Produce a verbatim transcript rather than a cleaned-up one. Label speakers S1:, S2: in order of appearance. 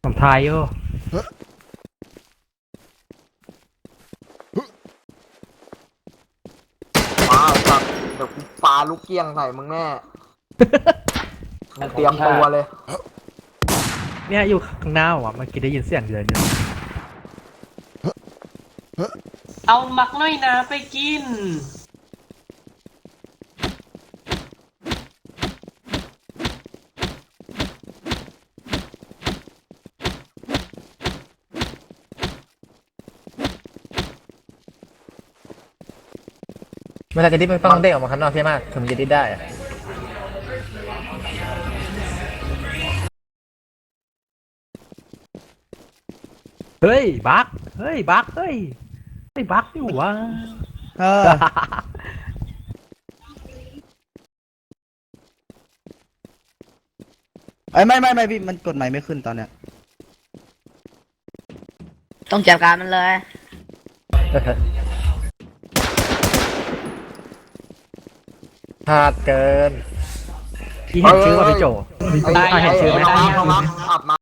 S1: ทายอยู่
S2: มาสัตว์เดี๋ยวกูปาลูกเกี้ยงใส่มึงแน่มึงเตรียมตัวเลย
S1: เนี่ยอยู่ข้างหน้าว่ะเมื่อกี้ได้ยินเสียงเดินอยู่
S3: เอามักน้อยนาไปกิน
S4: เวลาจะดิ้นมันต้องเด้งออกมาข้างนอกใช่ไหมถึงมันจะดิ้นได้อะ
S1: เฮ้ยบักเฮ้ยบักเฮ้ยไอ้บักนี่หวะ
S5: เออไอ้ยไม่ไม่ไม่พี่มันกดใหม่ไม่ขึ้นตอนเนี้ย
S6: ต้องจัดการมันเลย
S4: พลาดเกิน
S1: พี่เห็นชื่อว่าพี่โจ
S2: ไอ้
S1: อ่ะเห็นชื่อไหม
S2: น้องรักน้องรักอัดมา